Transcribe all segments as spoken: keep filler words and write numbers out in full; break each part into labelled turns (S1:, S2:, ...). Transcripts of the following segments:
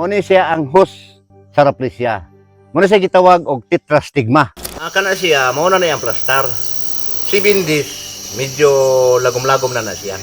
S1: Muna siya ang host sa Rafflesia. Muna siya gitawag og tetrastigma. Ah, kana siya, muna na yung plastar. Seven days, medyo lagom-lagom na na siya.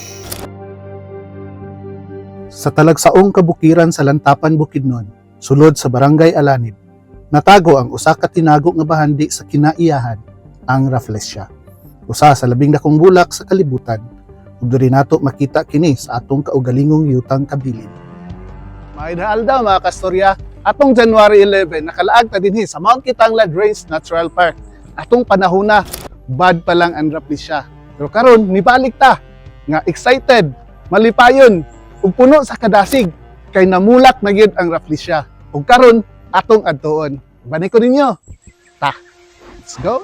S2: Sa talagsaong kabukiran sa Lantapan, Bukidnon, sulod sa Barangay Alanib, natago ang usa ka tinago nga bahandi sa kinaiyahan, ang Rafflesia. Usa sa labing dakong bulak sa kalibutan, ug diri nato makita kini sa atong kaugalingong yutang kabilin. Maidhaal daw mga kastorya, atong January eleven nakalaag ta dinhi sa Mount Kitanglad Range Natural Park. Atong panahona, bad pa lang ang Rafflesia. Pero karon nibalik ta nga excited, malipayon ug puno sa kadasig kay namulak na gyud ang Rafflesia. Ug karon atong adtuon. Bani ko ninyo. Ta. Let's go.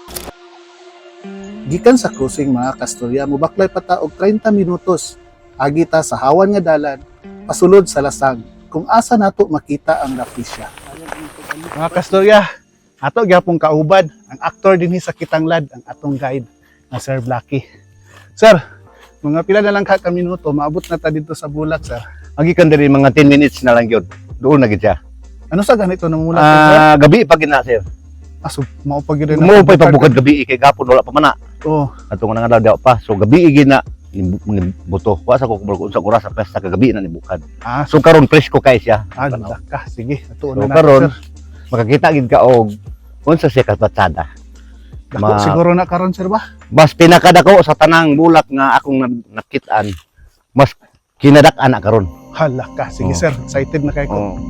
S2: Gikan sa cruising mga kastorya, mubaklay pa ta og treinta minutos. Agi ta sa hawan nga dalan, pasulod sa lasag, kung asa nato makita ang Rafflesia. Mga kastorya, ato gyapon kaubad ang aktor dinhi sa Kitanglad, ang atong guide na Sir Blacky. Sir, mga pila na lang ka ka minuto, maabot na ta dito sa bulak, sir.
S1: Magikan diri mga ten minutes na lang yun. Doon na gid siya.
S2: Ano sa ganito nang mula?
S1: Ah, gabi pa gid na sir.
S2: Aso, maupag yun
S1: Mo pa pabukad gabi kay gapon wala pa man na.
S2: Oo.
S1: Atong nga daw pa. So gabi gid na buto. Wa sa ko kung sa oras sa pesta kagabi na ni bukad.
S2: Ah,
S1: So karon presko kay siya.
S2: ah, ka. Sige, atuon
S1: So
S2: na
S1: karon
S2: natin, sir.
S1: makakita gid ka og unsa siya kabatsada.
S2: Dako,
S1: ma-
S2: siguro na karon, sir ba?
S1: Mas pinakadako sa tanang bulak nga akong na- nakitaan. Mas kinadak-an na karon.
S2: Hala ka. Sige,
S1: Oo.
S2: sir. Excited na kayo ko.
S1: Oh.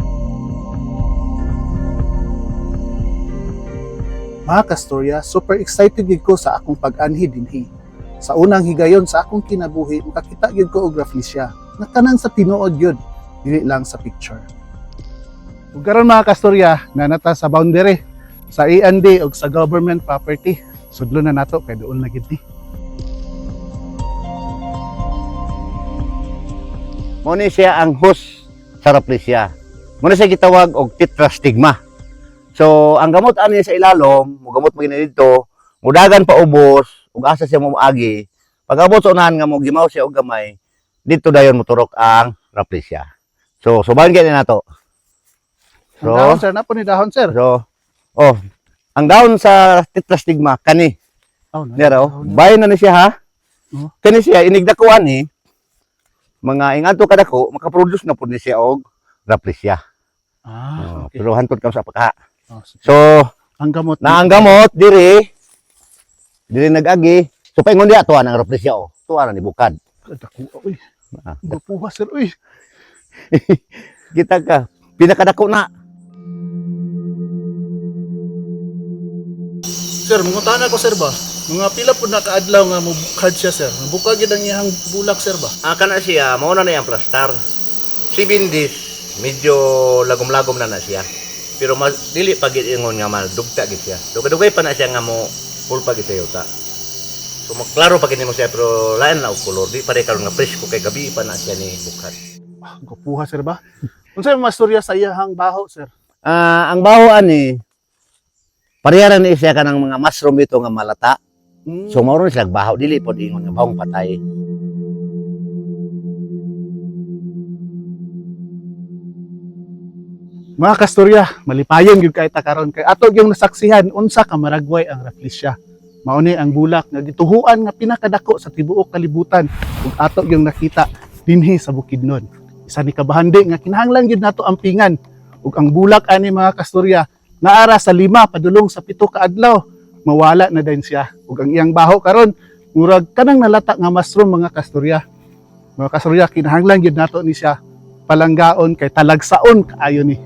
S2: Mga kastorya, super excited gid ko sa akong pag-anhi dinhi. Sa unang higayon sa akong kinabuhi, makakita gid ko og Rafflesia. Nga tanan sa tinuod yun, dili lang sa picture. Ug karon mga kastorya, nanata sa boundary sa A and D ug sa government property. Sudlo na nato kay doon na gid ni.
S1: Muna siya ang host sa Rafflesia. Muna siya gitawag og tetrastigma. So, ang gamot ani sa ilalom, mo gamot mo gina dito, mudagan pa ubos, ug asa siya mo agi. Pag abot sa unahan nga mo gimaw siya og gamay, dito dayon moturok ang Rafflesia. So, subahan gyud nato.
S2: Ang dahon, sir, na po ni dahon, sir.
S1: So, oh, ang daon sa tetrastigma kani.
S2: Oh, na-
S1: Nero,
S2: dahon na.
S1: bayan na ni siya ha.
S2: Oh.
S1: Kani siya inigdakuan ni mga ingadto kadako makaproduce na pud ni siya og Rafflesia.
S2: Ah,
S1: Oh,
S2: okay.
S1: pero hantod kam sa pagka.
S2: Oh, sige.
S1: So,
S2: ang gamot.
S1: na ang gamot diri diri nag-agi. So paingon diha tuwa ang Rafflesia oh. Tuwa na ni bukad.
S2: Dako, uy.
S1: Ah,
S2: Gupuha, sir, uy.
S1: kita ka pinakadako na.
S2: Sir, mungutan ako, sir ba? Mga pila po na kaadlaw nga mubukad siya, sir. Bukag yun ang iyang bulak, sir ba?
S1: Ah, kana siya mao na na yang plastar. Seven days medyo lagom-lagom na na siya. Pero mas dili pa gid ingon nga mal dugta gid siya. Dugay-dugay pa na siya nga mo full pa gid sa yuta. So maklaro pa gid mo siya pero lain na og color. Di pare karon nga fresh ko kay gabi pa na siya ni bukad.
S2: Ah, gupuha, sir ba? Unsa yung masturya sa iyang baho, sir?
S1: Ah, ang baho ani pareha ni siya kanang mga mushroom ito nga malata.
S2: Mm.
S1: So mao ron siya baho dili pod ingon nga bahong patay.
S2: Mga kasturya, malipayon gyud kay ta karon kay ato yung nasaksihan unsa ka maragway ang Rafflesia. Mao ni ang bulak nga gituhuan nga pinakadako sa tibuok kalibutan ug ato yung nakita dinhi sa Bukidnon. Isa ni kabahandi nga kinahanglan gyud nato ampingan ug ang bulak ani mga kasturya naara sa lima padulong sa pito ka adlaw mawala na din siya ug ang iyang baho karon murag kanang nalata nga mushroom mga kasturya. Mga kasturya kinahanglan gyud nato ni siya palanggaon kay talagsaon kaayo ni.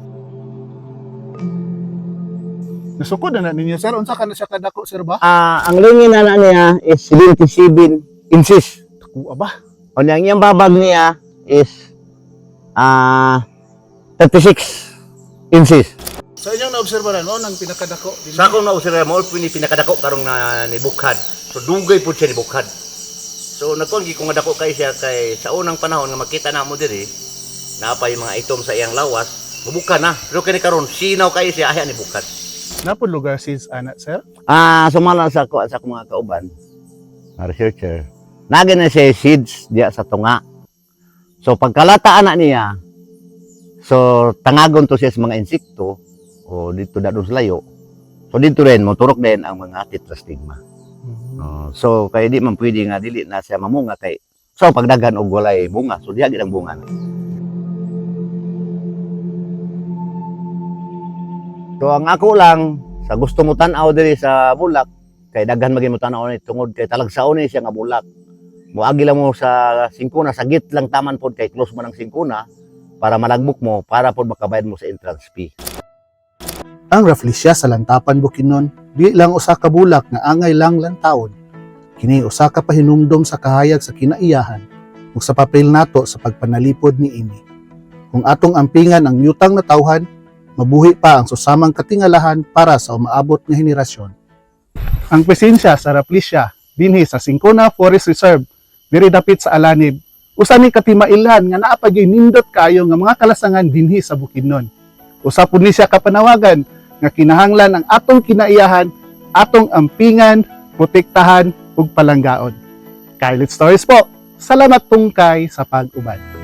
S2: Nasukod na na ninyo, sir. Unsa ka na siya kadako, sir ba?
S1: Ah, ang lingin na na niya is seventy-seven inches.
S2: Dako ba?
S1: O ang iyang babag niya is ah thirty-six inches.
S2: Sa inyong naobserbahan, no, nang pinakadako.
S1: Sa akong nausira mo, pini pinakadako karong na ni bukad. So dugay po siya ni bukad. So nagkuhan ko nga dako kay siya kay sa unang panahon nga makita na mo diri, naapa yung mga itom sa iyang lawas, mabukad na. Pero kini karon sinaw kay siya aya ni bukad.
S2: Napod lugar sis ana, sir?
S1: Ah, sumala sa ko sa akong mga kauban, mga researcher. Nagin na siya seeds diya sa tunga. So pagkalata ana niya, So tangagon to siya sa mga insekto o dito dadon sa layo. So dito rin moturok din ang mga tetrastigma. Uh, so kay di man pwede nga dili na siya mamunga kay so pagdagan og walay bunga so diha gid ang bunga. So ang ako lang sa gusto mo tan-aw diri sa bulak kay daghan maging mo tan-aw ni tungod kay talagsaon ni siya nga bulak. Moagi lang mo sa singkuna sagit lang taman pod kay close man ang singkuna para malagbok mo para pod makabayad mo sa entrance fee.
S2: Ang Rafflesia sa lantapan bukidnon di lang usa ka bulak nga angay lang lantawon. Kini usa ka pahinumdom sa kahayag sa kinaiyahan ug sa papel nato sa pagpanalipod ni ini. Kung atong ampingan ang yutang na tawhan, mabuhi pa ang susamang katingalahan para sa umaabot nga henerasyon. Ang presensya sa Rafflesia dinhi sa Singkona Forest Reserve diri dapit sa Alanib usa ni katimailan nga naa pa gyud nindot kayo nga mga kalasangan dinhi sa bukidnon. Usa pud ni siya kapanawagan nga kinahanglan ang atong kinaiyahan, atong ampingan, protektahan ug palanggaon. Kay Let's Stories po. Salamat tungkay sa pag-ubad.